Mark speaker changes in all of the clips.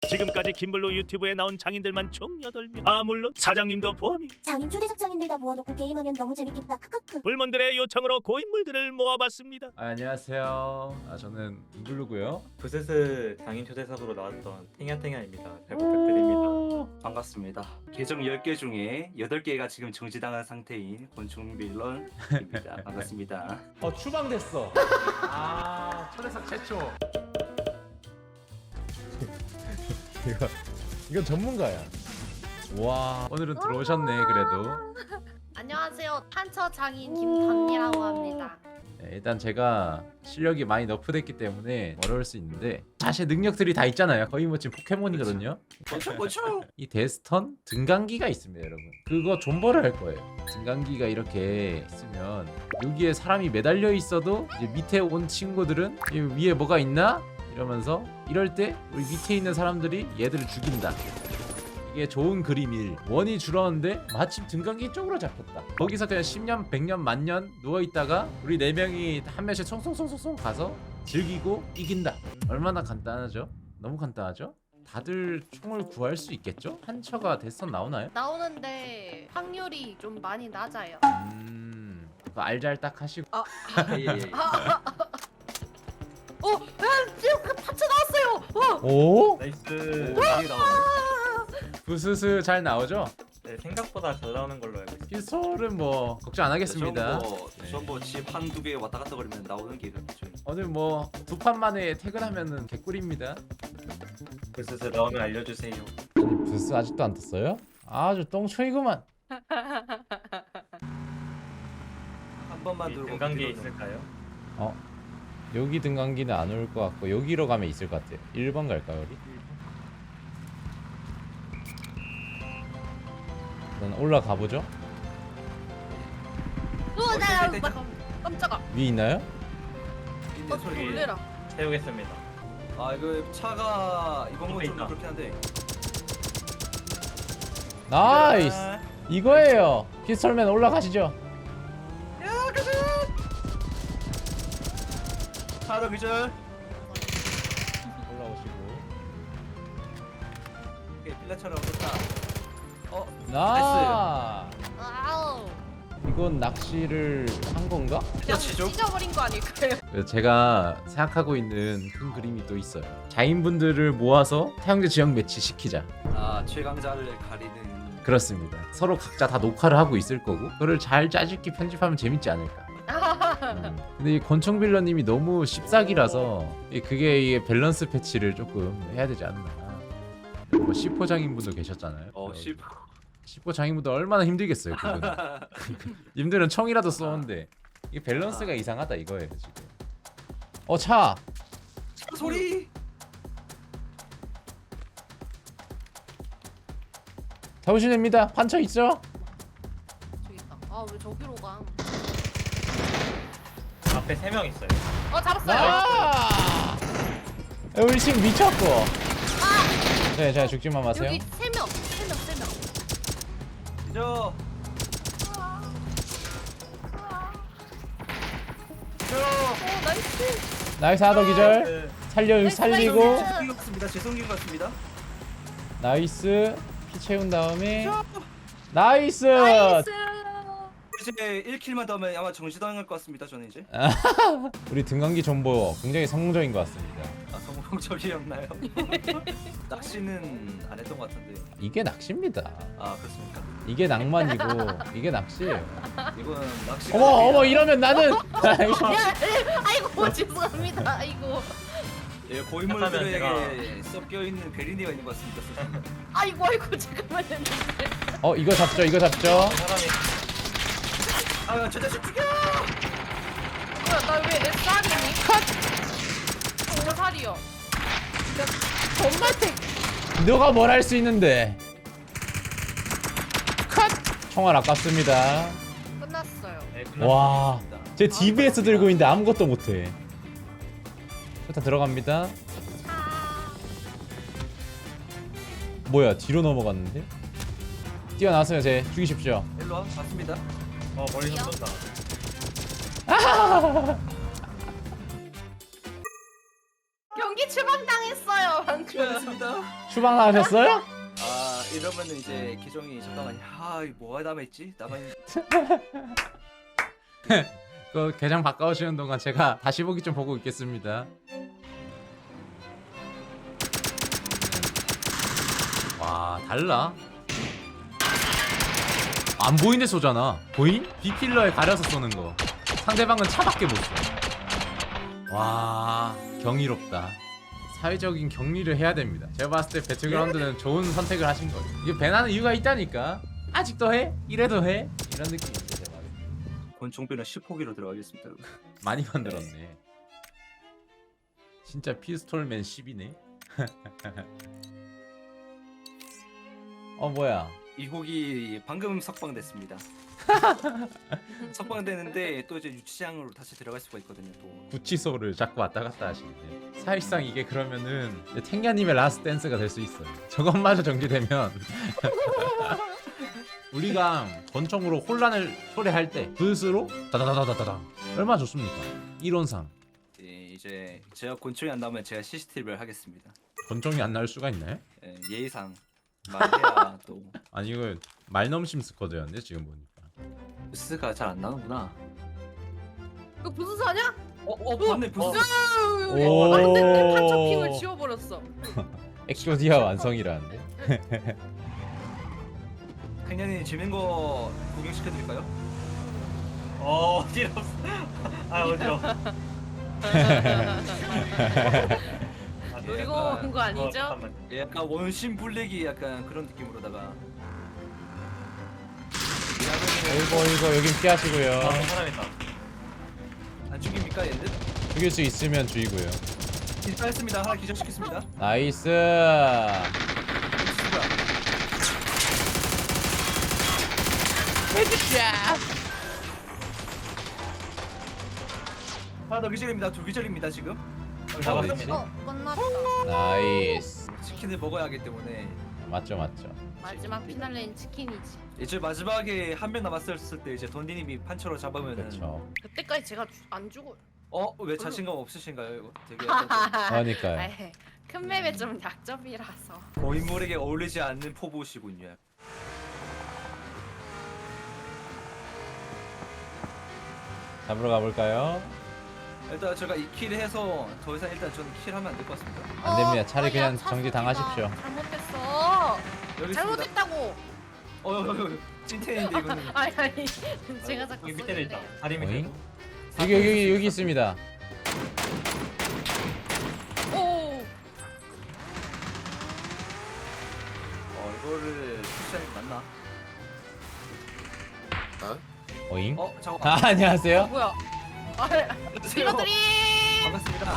Speaker 1: 지금까지 김블루 유튜브에 나온 장인들만 총 8명. 아 물론 사장님도 포함이.
Speaker 2: 장인 초대석 장인들 다 모아놓고 게임하면 너무 재밌겠다. 크크크.
Speaker 1: 불몬들의 요청으로 고인물들을 모아봤습니다.
Speaker 3: 안녕하세요. 저는 임블루고요.
Speaker 4: 부스스 장인 초대석으로 나왔던 탱야탱야입니다. 잘 부탁드립니다.
Speaker 5: 반갑습니다. 계정 10개 중에 8개가 지금 정지당한 상태인 곤충 빌런입니다. 반갑습니다.
Speaker 3: 추방됐어. 초대석 최초. 이건 전문가야. 와, 오늘은 들어오셨네 그래도.
Speaker 6: 안녕하세요. 탄처 장인 김단미라고 합니다.
Speaker 3: 일단 제가 실력이 많이 너프됐기 때문에 어려울 수 있는데 사실 능력들이 다 있잖아요. 거의 뭐 지금 포켓몬이거든요.
Speaker 5: 곤충!
Speaker 3: 이 데스턴 등간기가 있습니다 여러분. 그거 존버를 할 거예요. 등간기가 이렇게 있으면 여기에 사람이 매달려 있어도 이제 밑에 온 친구들은 이 위에 뭐가 있나? 이러면서 이럴 때 우리 밑에 있는 사람들이 얘들을 죽인다. 이게 좋은 그림일. 원이 줄었는데 마침 등간기 쪽으로 잡혔다. 거기서 그냥 10년, 100년, 만년 누워있다가 우리 4명이 한 명씩 송송송송 가서 즐기고 이긴다. 얼마나 간단하죠? 너무 간단하죠? 다들 총을 구할 수 있겠죠? 한처가 데스턴 나오나요?
Speaker 6: 나오는데 확률이 좀 많이 낮아요.
Speaker 3: 그거 알잘딱 하시고.
Speaker 5: 예, 예.
Speaker 6: 지금 그 탄처 나왔어요.
Speaker 3: 오?
Speaker 4: 나이스.
Speaker 5: 많이 나오네.
Speaker 3: 부스스 잘 나오죠?
Speaker 4: 네, 생각보다 잘 나오는 걸로 알고 있습니다.
Speaker 3: 피스톨은 뭐 걱정 안 하겠습니다.
Speaker 5: 전부 집 한두 개 왔다 갔다 거리면 나오는 게 그렇죠.
Speaker 3: 오늘 뭐 2판 만에 퇴근하면은 개꿀입니다.
Speaker 4: 부스스 나오면 알려주세요.
Speaker 3: 부스 아직도 안 떴어요? 아주 똥초이구만.
Speaker 5: 한 번만 들고
Speaker 4: 등간기에
Speaker 5: 뒤로는.
Speaker 4: 있을까요?
Speaker 3: 여기 등간기는 안 올 것 같고 여기로 가면 있을 것 같아요. 1번 갈까요 우리? 일단 올라가 보죠.
Speaker 6: 나 깜짝아.
Speaker 3: 위에 있나요?
Speaker 5: 있네, 소리.
Speaker 6: 놀래라.
Speaker 4: 세우겠습니다.
Speaker 5: 아 이거 차가 이건 뭐좀
Speaker 4: 있다.
Speaker 5: 그렇긴 한데.
Speaker 3: 나이스. 이거예요. 피스톨맨 올라가시죠.
Speaker 5: 차도 기절.
Speaker 3: 올라오시고.
Speaker 5: 오케이, 필라처럼 됐다.
Speaker 3: 나.
Speaker 6: 아우.
Speaker 3: 이건 낚시를 한 건가?
Speaker 6: 그냥
Speaker 5: 치죠?
Speaker 6: 찢어버린 거 아닐까요?
Speaker 3: 제가 생각하고 있는 큰 그림이 또 있어요. 자인분들을 모아서 태양제 지역 매치 시키자.
Speaker 5: 아 최강자를 가리는.
Speaker 3: 그렇습니다. 서로 각자 다 녹화를 하고 있을 거고 그거를 잘 짜집기 편집하면 재밌지 않을까. 근데 이 권총빌러님이 너무 씹사기라서 그게 이 밸런스 패치를 조금 해야 되지 않나. 뭐 C4 장인분도 계셨잖아요.
Speaker 5: 10.
Speaker 3: C4 장인분도 얼마나 힘들겠어요 그분. 님들은 총이라도 쏘는데 이게 밸런스가 이상하다 이거예요 지금. 차!
Speaker 5: 소리.
Speaker 3: 잡으시면 됩니다. 판처 있죠?
Speaker 6: 저기 있다. 아 왜 저기로 가?
Speaker 4: 앞에 3명 있어요.
Speaker 6: 잡았어요.
Speaker 3: 아! 우리 지금 미쳤고. 네, 자 죽지만 마세요.
Speaker 6: 여기 3명.
Speaker 5: 기절.
Speaker 6: 나이스.
Speaker 3: 나이스 하더 기절. 살리고.
Speaker 5: 죄송인 것 같습니다. 죄송인 것 같습니다.
Speaker 3: 나이스. 피 채운 다음에 나이스.
Speaker 5: 이제 1킬만 더 하면 아마 정지당할 것 같습니다. 저는 이제.
Speaker 3: 우리 등간기 존버 굉장히 성공적인 것 같습니다.
Speaker 5: 아 성공적이었나요? 낚시는 안 했던 것 같은데.
Speaker 3: 이게 낚시입니다.
Speaker 5: 아 그렇습니까?
Speaker 3: 이게 낭만이고 이게 낚시예요.
Speaker 5: 이거는 낚시가.
Speaker 3: 어머 이러면 나는
Speaker 6: 아이고 죄송합니다. 아이고.
Speaker 5: 예, 고인물들에게 섞여 있는 베리니가 있는 것 같습니다.
Speaker 6: 아이고 잠깐만요.
Speaker 3: 이거 잡죠.
Speaker 4: 사람이
Speaker 5: 아, 저 자식 죽여!
Speaker 6: 뭐야 나왜 내 쌀이니? 컷. 정말 살이요.
Speaker 3: 너가 뭘 할 수 있는데. 컷. 총알 아깝습니다.
Speaker 6: 끝났어요.
Speaker 4: 네,
Speaker 3: 와, 제 DBS 들고 있는데 아무것도 못해. 일단 들어갑니다. 뭐야, 뒤로 넘어갔는데? 뛰어나왔어요, 제. 죽이십시오.
Speaker 5: 일로 와, 맞습니다.
Speaker 4: 멀리서 쏜다.
Speaker 6: 경기 추방당했어요 방금.
Speaker 5: 수고하셨습니다.
Speaker 3: 추방 나가셨어요?
Speaker 5: 아 이러면은 이제 계정이 잠깐만요. 아 이거 뭐가 남아있지?
Speaker 3: 그 계정 바꿔오시는 동안 제가 다시 보기 좀 보고 있겠습니다. 와 달라. 안 보이는데 쏘잖아. 보임? B필러에 가려서 쏘는 거. 상대방은 차밖에 못 쏘. 와 경이롭다. 사회적인 격리를 해야 됩니다. 제가 봤을 때 배틀그라운드는 좋은 선택을 하신 거예요. 이게 배나는 이유가 있다니까. 아직도 해? 이래도 해? 이런 느낌인데 제가.
Speaker 5: 권총비는 10호기로 들어가겠습니다.
Speaker 3: 많이 만들었네. 진짜 피스톨맨 10이네. 뭐야?
Speaker 5: 이 곡이 방금 석방됐습니다. 석방되는데 또 이제 유치장으로 다시 들어갈 수가 있거든요. 또
Speaker 3: 구치소를 자꾸 왔다 갔다 하시는데 사실상 이게 그러면은 탱냐님의 라스트 댄스가 될 수 있어요. 저것마저 정지되면 우리가 권총으로 혼란을 초래할 때 붓으로 다다다다다다 얼마나 좋습니까? 이론상
Speaker 5: 이제 제가 권총이 안 나오면 제가 CCTV를 하겠습니다.
Speaker 3: 권총이 안 나올 수가 있나요?
Speaker 5: 예의상 말해야 또
Speaker 3: 아니 이거 말넘심 스쿼드였는데 지금 보니까
Speaker 5: 부스가 잘 안 나오는구나.
Speaker 6: 이거 무슨 사냐?
Speaker 5: 맞네 부스.
Speaker 3: 오.
Speaker 6: 안돼 내 판처핑을 지워버렸어.
Speaker 3: 엑소디아 완성이라는데.
Speaker 5: 팽년이 재밌는 거 구경시켜드릴까요?
Speaker 4: 어지럽어. 아 어지러워.
Speaker 6: 노리고 온 거 아니죠?
Speaker 4: 잠깐만.
Speaker 5: 약간 원심 불리기 약간 그런 느낌으로다가.
Speaker 3: 이거 여긴 피하시고요.
Speaker 4: 사람 있다.
Speaker 5: 안 죽입니까 얘들?
Speaker 3: 죽일 수 있으면 죽이고요.
Speaker 5: 일단했습니다. 하나 기절시켰습니다.
Speaker 3: 나이스.
Speaker 5: 하나 더 기절입니다. 두 기절입니다 지금.
Speaker 4: 잡았습니다.
Speaker 6: 끝났다.
Speaker 3: 나이스.
Speaker 5: 치킨을 먹어야 하기 때문에
Speaker 3: 맞죠.
Speaker 6: 마지막 피날레는 치킨이지.
Speaker 5: 이제 마지막에 한 명 남았을 때 이제 던디님이 판처로 잡으면은
Speaker 3: 그렇죠.
Speaker 6: 그때까지 제가 안 죽어.
Speaker 5: 왜 자신감 없으신가요 이거? 되게 약간
Speaker 3: 그러니까요.
Speaker 6: 아이, 큰 맵에 좀 약점이라서.
Speaker 5: 고인물에게 어울리지 않는 포부시군요.
Speaker 3: 잡으러 가볼까요?
Speaker 5: 일단 제가 이 킬을 해서 더 이상 일단 저는 킬하면 안 될 것 같습니다.
Speaker 3: 안 됩니다. 차라리 그냥
Speaker 6: 야,
Speaker 3: 정지
Speaker 6: 차수기가
Speaker 3: 당하십시오.
Speaker 6: 잘못했어.
Speaker 5: 여기 있습니다.
Speaker 6: 잘못했다고.
Speaker 5: 여기 찐텐인데 이거는.
Speaker 6: 아니 제가 자꾸
Speaker 4: 여기 밑에도 있다.
Speaker 6: 쏘는데.
Speaker 4: 다리 밑에.
Speaker 3: 오잉? 여기 있습니다.
Speaker 6: 오.
Speaker 5: 이거를 푸시하는 게 맞나?
Speaker 3: 오잉?
Speaker 5: 잠깐.
Speaker 3: 아, 안녕하세요.
Speaker 6: 뭐야? 아, 이것들이.
Speaker 5: 반갑습니다.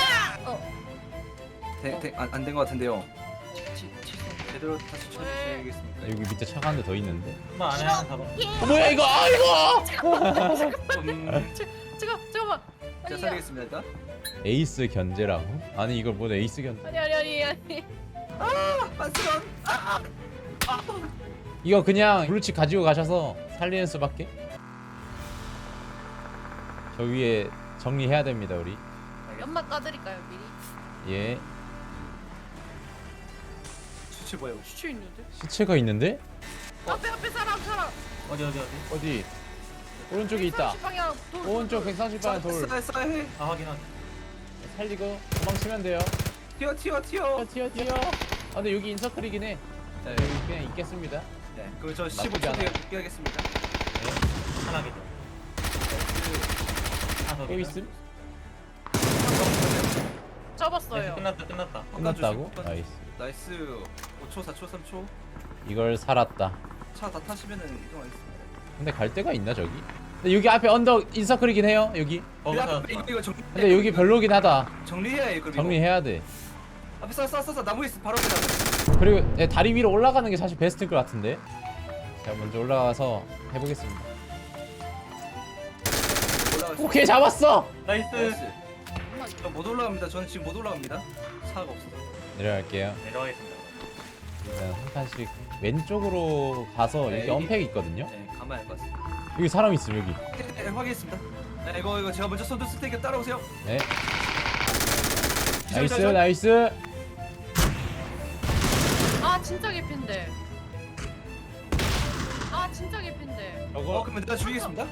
Speaker 5: 안된 것 같은데요. 제대로 다시 쳐주셔야겠습니다.
Speaker 3: 여기 밑에 차가 한 대 더 있는데.
Speaker 4: 한번 안에 하나 잡아.
Speaker 3: 뭐야 이거? 이거!
Speaker 6: 잠깐만.
Speaker 5: 제가 살리겠습니다 일단.
Speaker 3: 에이스 견제라고? 아니 이걸 뭐 에이스 견제?
Speaker 6: 아니.
Speaker 5: 반스런.
Speaker 3: 이거 그냥 블루칩 가지고 가셔서 살리는 수밖에. 저 위에 정리해야 됩니다 우리.
Speaker 6: 연막 까드릴까요 미리?
Speaker 3: 예.
Speaker 5: 수치 뭐야?
Speaker 6: 수치 있는데?
Speaker 3: 시체가 있는데?
Speaker 6: 앞에 사람.
Speaker 4: 어디.
Speaker 3: 어디? 오른쪽에 있다.
Speaker 6: 130 방향 돌.
Speaker 3: 오른쪽 130방 돌.
Speaker 5: 해.
Speaker 4: 아 확인.
Speaker 3: 살리고 도망치면 돼요.
Speaker 5: 튀어.
Speaker 3: 튀어. 아 근데 여기 인서클이긴 해. 자 여기 그냥 있겠습니다.
Speaker 5: 네. 그럼 저
Speaker 3: 나쁘지
Speaker 5: 15초 뒤에
Speaker 3: 않아요.
Speaker 5: 복귀하겠습니다.
Speaker 4: 하나 기절. 하나 더
Speaker 3: 또
Speaker 4: 기절.
Speaker 3: 있음?
Speaker 6: 접었어요.
Speaker 4: 끝났다.
Speaker 3: 끝났다고?
Speaker 5: 꺾어주세요.
Speaker 3: 나이스.
Speaker 5: 나이스. 5초, 4초, 3초.
Speaker 3: 이걸 살았다.
Speaker 5: 차 다 타시면은 이동하겠습니다.
Speaker 3: 근데 갈 데가 있나 저기? 근데 여기 앞에 언덕 인서클이긴 해요 여기.
Speaker 4: 거기서
Speaker 5: 이거
Speaker 3: 근데 여기 별로긴 하다.
Speaker 5: 정리해야 해. 그리고
Speaker 3: 정리해야 돼.
Speaker 5: 앞에 쏴 나무 있어. 바로 앞에.
Speaker 3: 그리고 다리 위로 올라가는 게 사실 베스트일 것 같은데. 제가 먼저 올라가서 해보겠습니다.
Speaker 5: 올라가서.
Speaker 3: 오케이 잡았어.
Speaker 4: 나이스.
Speaker 5: 못 올라갑니다. 저는 지금 못 올라갑니다. 차가 없어서.
Speaker 3: 내려갈게요.
Speaker 4: 내려가겠습니다.
Speaker 3: 일단 한 칸씩 왼쪽으로 가서
Speaker 5: 네,
Speaker 3: 여기
Speaker 5: 여기.
Speaker 3: 언팩 있거든요.
Speaker 5: 네, 가만히 할것 같습니다.
Speaker 3: 여기 사람 있음 여기.
Speaker 5: 네, 확인했습니다. 네, 이거 제가 먼저 손들 쓸 테니까 따라오세요.
Speaker 3: 네.
Speaker 5: 기절,
Speaker 3: 나이스
Speaker 5: 기절.
Speaker 3: 나이스.
Speaker 6: 진짜 개핀데. 아 진짜 개핀데.
Speaker 5: 그러면 내가 죽이겠습니다.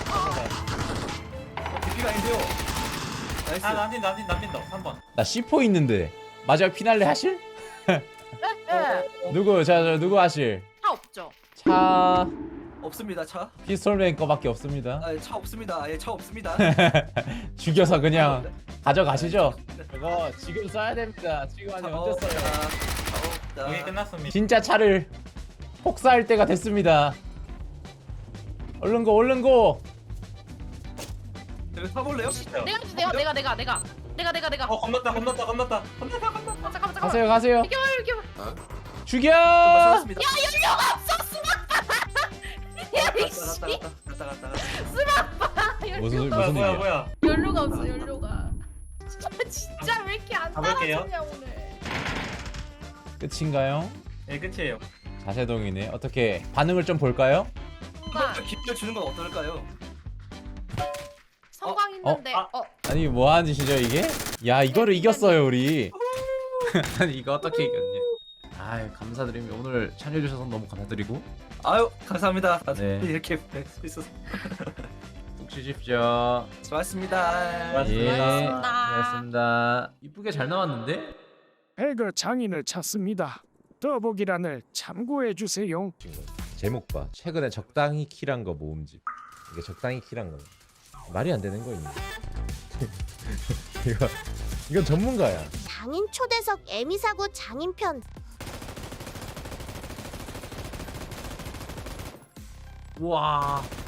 Speaker 5: DP가 아닌데요. 나이스.
Speaker 4: 아 남긴다 3번.
Speaker 3: 나 C4 있는데 마지막 피날레 하실?
Speaker 6: 예.
Speaker 3: 누구 자 누구 하실?
Speaker 6: 차 없죠.
Speaker 3: 차
Speaker 5: 없습니다 차.
Speaker 3: 피스톨맨 거밖에 없습니다.
Speaker 5: 차 없습니다. 차 없습니다.
Speaker 3: 죽여서 그냥 가져가시죠. 이거 지금 써야 됩니다. 지금 아니 언제 써요?
Speaker 4: 여기 끝났습니다.
Speaker 3: 진짜 차를 폭사할 때가 됐습니다. 얼른 고.
Speaker 5: 여기 타볼래요?
Speaker 6: 내가.
Speaker 4: 겁났다.
Speaker 6: 잠깐만.
Speaker 3: 가세요.
Speaker 6: 이겨.
Speaker 3: 죽여.
Speaker 5: 맞췄습니다. 갔다.
Speaker 3: 무슨
Speaker 4: 뭐야
Speaker 3: 일이야?
Speaker 4: 뭐야.
Speaker 6: 연료가 없어 연료가. 진짜 왜 이렇게 안
Speaker 4: 가볼게요.
Speaker 6: 따라주냐 오늘.
Speaker 3: 끝인가요?
Speaker 4: 예 끝이에요.
Speaker 3: 자세동이네. 어떻게 반응을 좀 볼까요?
Speaker 5: 기회를 주는 건 어떨까요?
Speaker 6: 성광 있는데.
Speaker 3: 아니 뭐 하는 짓이죠 이게? 야 이거를 이겼어요 우리. 아니 이거 어떻게 이겼냐? 아유 감사드립니다. 오늘 참여해주셔서 너무 감사드리고
Speaker 5: 아유 감사합니다.
Speaker 3: 네.
Speaker 5: 이렇게 뵐수 있어서
Speaker 3: 푹 쉬십시오.
Speaker 5: 수고하셨습니다.
Speaker 3: 예,
Speaker 6: 고맙습니다.
Speaker 3: 고맙습니다. 이쁘게 잘 나왔는데?
Speaker 7: 배그 장인을 찾습니다. 더보기란을 참고해 주세요.
Speaker 3: 제목 봐. 최근에 적당히 킬한 거 모음집. 이게 적당히 킬한 거. 말이 안 되는 거 있네. 이건 전문가야.
Speaker 2: 장인 초대석 에미사고 장인편.
Speaker 3: 와.